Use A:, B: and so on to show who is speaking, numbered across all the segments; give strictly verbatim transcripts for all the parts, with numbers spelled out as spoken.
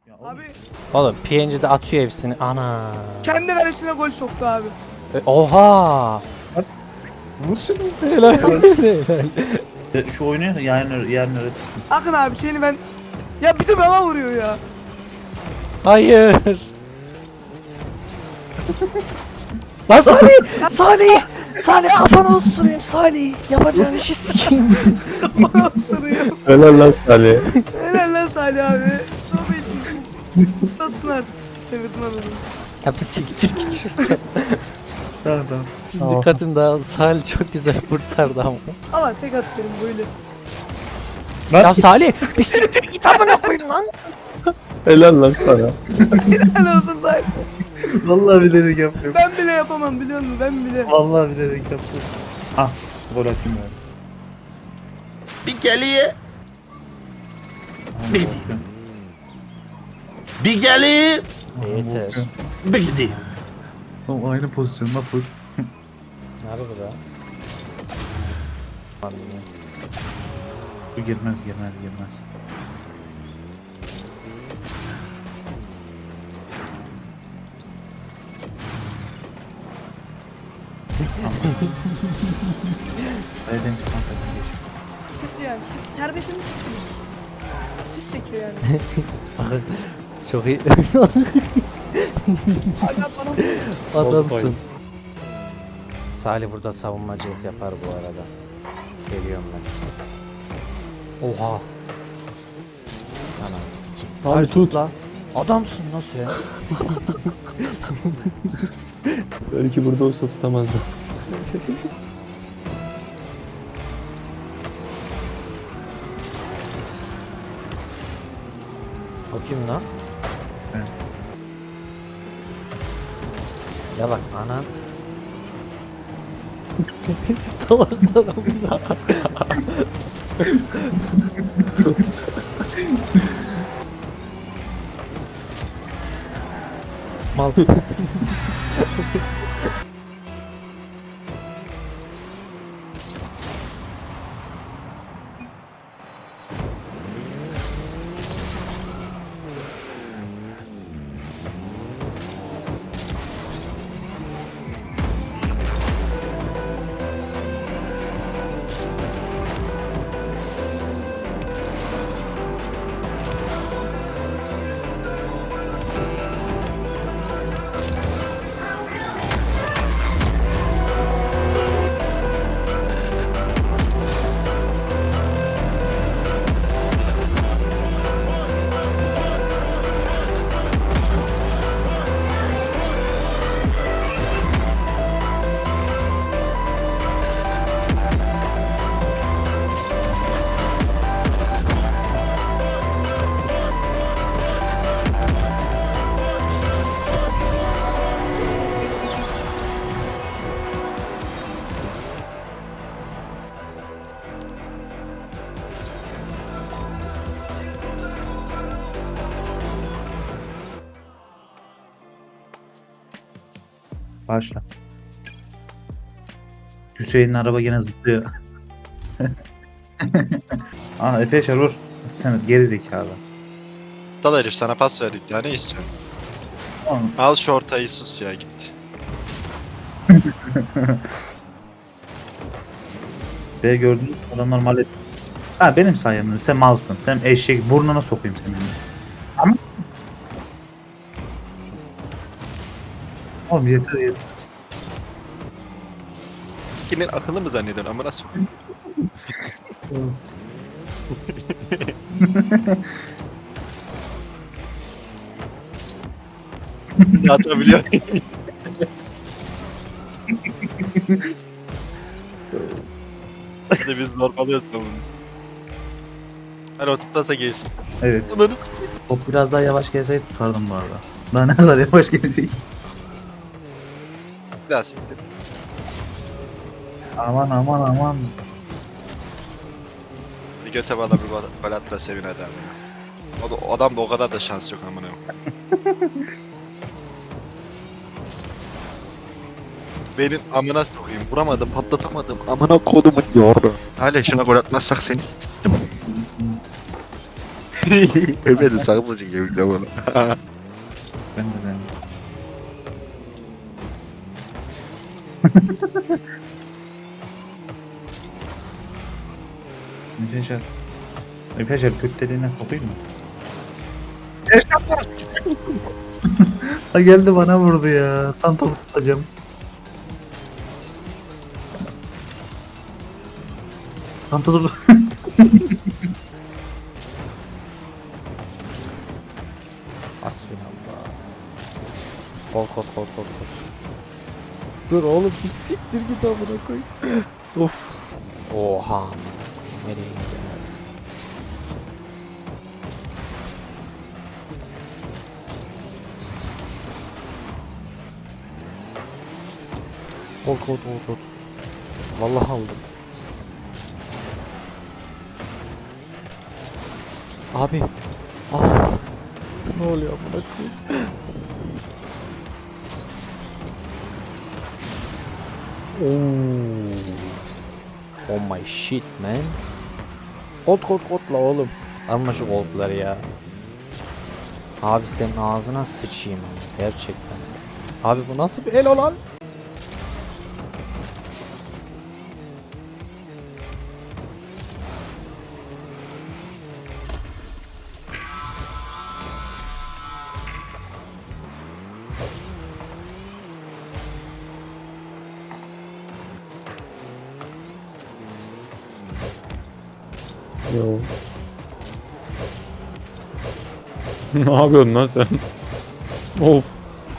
A: Abi
B: Oğlum P N G'de atıyor hepsini. Ana.
A: kendi kalesine gol soktu abi.
B: E, Oha.
C: Vur şunu.
B: Helal. Helal.
D: Ya şu oyunu yarın yarın öğretirsin.
A: Akın abi seni ben... Ya bir de bana vuruyor ya.
B: Hayır. Lan Salih! Salih! Salih kafanı osurayım Salih. Yapacağın işi sikeyim.
A: Bana vuruyor.
C: Helal lan Salih.
A: Helal lan Salih abi. Tövbe için. Tutasın artık. Çevirdin anladım.
B: Ya bir siktir git şuradan.
D: Tamam tamam.
B: Dikkatim dağıldı. Salih çok güzel kurtardı ama.
A: Ama tek atıyorum böyle.
B: Ya Salih bir siktir git amına koyayım lan.
C: Helal lan sana.
A: Helal olsun Salih.
D: Vallahi bilerek yapıyorum.
A: Ben bile yapamam biliyor musun? Ben bile.
D: Vallahi bilerek yapıyorum. Ah, gol atayım ben.
E: Bir geliye, Bir bir geliye,
B: Yeter.
E: bir gideyim.
D: Oğlum aynı pozisyonda full.
B: Nerede bu da?
D: Bu girmez girmez girmez. Nereden çıkan takım geçiyor.
A: Süt yani. Süt serbestin mi? Süt çekiyor yani.
B: Çok iyi.
A: Aga bana vuruyor.
B: Adamsın. Salih burada savunmacılık yapar bu arada. Geliyorum ben. Oha. Ananı sikeyim.
C: Salih tut.
B: la. Adamsın nasıl ya?
C: Belki burada olsa tutamazdı.
B: O kim lan?
D: Ben.
B: Ya bak anan. Salaklar bunlar. Mal.
D: Başla. Hüseyin'in araba gene zıplıyor. Aa Efe Yaşar vur. Sen geri zekalı.
F: Dal herif sana pas verdik ya ne istiyorsun?
D: Tamam.
F: Al şu ortayı sus ya gitti.
D: Ve gördün adamlar mal et. Ha benim sayemde sen malsın. Sen eşek burnuna sokayım seni. Ama Oğlum yeter yeter.
F: Kimin akıllı mı zannediyorsun amına sokayım? Atabiliyor. İşte biz normalde bunu. Hani o tutarsa gelsin.
D: Evet.
F: Bunları s**eyim.
D: Top biraz daha yavaş gelseydi tutardım bu arada. Daha ne kadar yavaş gelecek.
F: Bir daha siktir.
D: Aman aman aman.
F: Bir göte bana bir bal- bal at da sevin adam ya. O, da, o adam da o kadar da şans yok amına. Benim amına sokayım. Vuramadım, patlatamadım. Amına kodumu yordu. Hala şuna gol atmazsak seni s**tim. Evet sakız acı kemikte bunu.
D: Ben de ben. Müfeşer. Müfeşer göt deliğine sokayım mı? Ha geldi bana vurdu ya. Tam topu tutacağım. Tam topu.
B: Hasbinallah. Kol kol kol kol kol. Dur oğlum bir siktir git amına koy. Of. Oha. Nereye gidiyor? Kol kol kol kol. Vallahi aldım. Abi. Ah. Ne oluyor amına koyayım? Oh. Oh my shit man. Kod kod kodla oğlum. Alma şu kodları ya. Abi senin ağzına sıçayım gerçekten. Abi bu nasıl bir el olan?
C: Yo. Ne yapıyorsun lan sen? Of.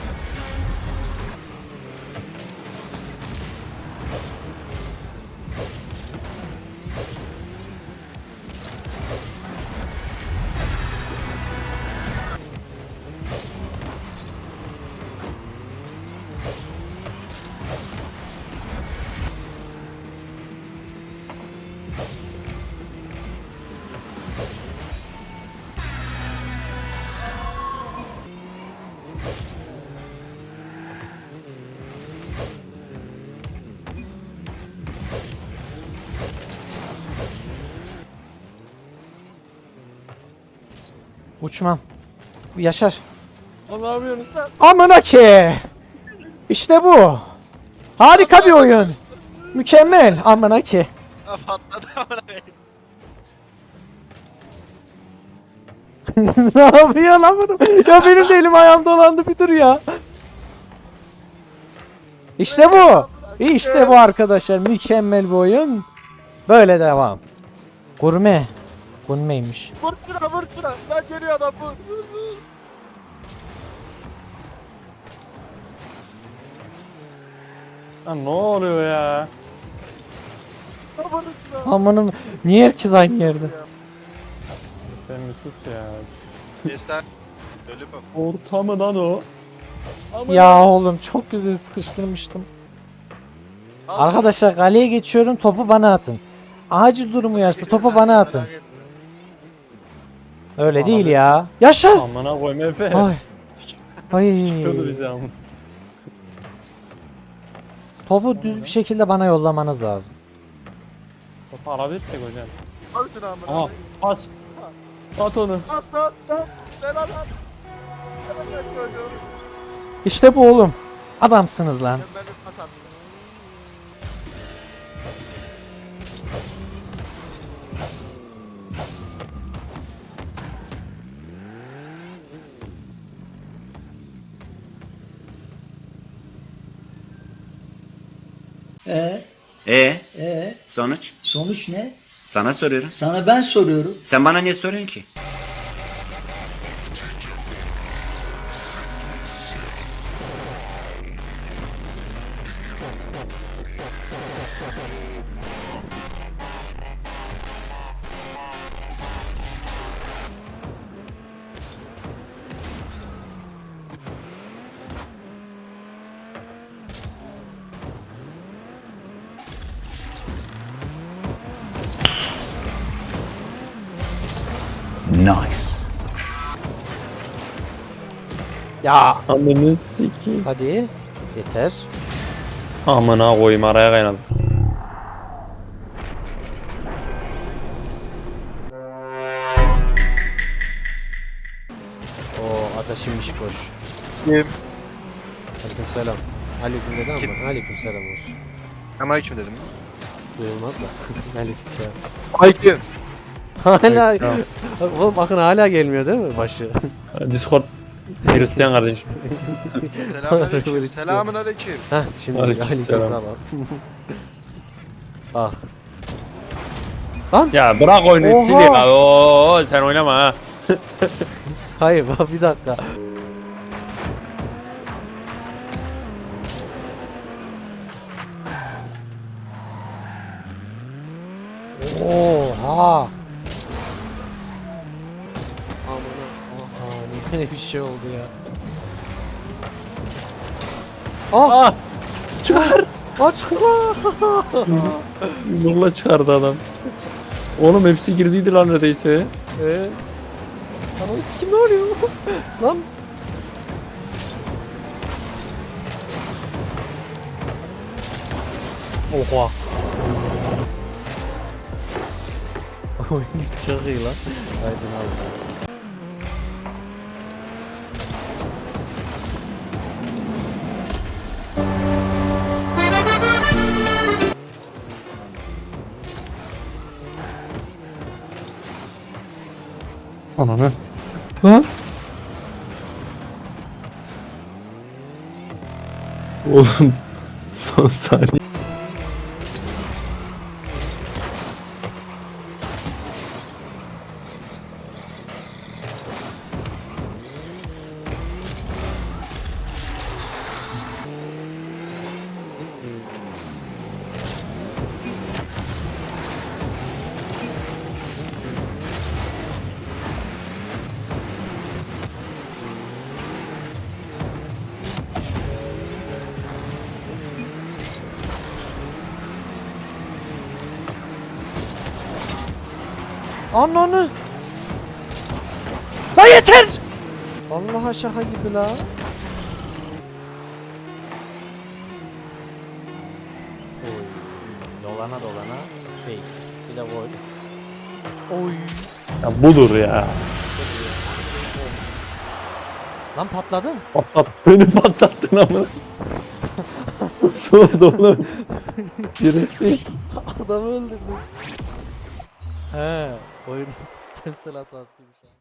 B: Uçmam. Yaşar.
C: Ne yapıyorsun sen?
B: Amına ki. İşte bu. Harika bir oyun. Mükemmel. Amına ki.
F: Patladı amına.
B: Ne yapıyor lan bunu? Ya benim de elim ayağım dolandı bir dur ya. İşte bu. İşte bu arkadaşlar. Mükemmel bir oyun. Böyle devam. Gurme. Gurmeymiş.
C: Vur şuna vur şuna. Lan geliyor adam vur. Lan ne oluyor ya?
B: Amanım. Niye herkes aynı yerde?
C: Sen bir sus ya.
F: Destan. Ölü bak.
C: Orta mı lan o?
B: Ya oğlum çok güzel sıkıştırmıştım. Arkadaşlar kaleye geçiyorum, topu bana atın. Acil durum uyarsa topu bana atın. Öyle değil ya. Yaşa.
C: Amına koyma Efe.
B: Ay. Ay.
C: Çıkıyordu bizi ama.
B: Topu düz bir şekilde bana yollamanız lazım.
C: Topu alabilirsek hocam. Aha pas. At onu.
B: İşte bu oğlum. Adamsınız lan.
G: Ee,
H: E
G: ee,
H: sonuç?
G: sonuç ne?
H: Sana soruyorum.
G: Sana ben soruyorum.
H: Sen bana niye soruyorsun ki?
B: Ya.
C: Ananı sikeyim.
B: Hadi. Yeter.
C: Amına koyayım araya kaynadı.
B: dakika şimdiş boş.
F: Kim?
B: Aleyküm selam. Aleyküm dedi ama aleyküm selam olsun.
F: Ama kim dedim?
B: Duyulmaz da. Aleyküm selam.
F: Ay kim?
B: Hala oğlum bakın hala gelmiyor değil mi başı?
C: Discord Hristiyan kardeşim.
F: Selamünaleyküm. Selamünaleyküm.
B: Heh şimdi
C: Aleyküm
B: aleyküm
C: selam.
B: selam. Bak. Lan
C: Ya bırak oyunu
B: Oha!
C: sil ya. Oo, sen oynama ha.
B: hayır bak bir dakika. Oha. Amına. Oha ne böyle bir şey oldu ya. Ah!
C: Ah! Çıkar!
B: Aç
C: Nurla çıkardı adam. Oğlum hepsi girdiydi lan neredeyse.
B: Eee? Ananı sikim ne oluyor? Lan. Oha. Oyun çok iyi lan. Aydın alacağım.
C: Ananı. Ha? Oğlum son saniye.
B: Ananı. La yeter. Vallahi şaka gibi la. Oy. Dolana dolana fake. Bir de void. Oy.
C: Ya budur ya.
B: Lan patladın.
C: Patlat. Beni patlattın ama. Son oğlum. Birisi.
B: Adamı öldürdüm. He, oyunun sistemsel hatasıymış.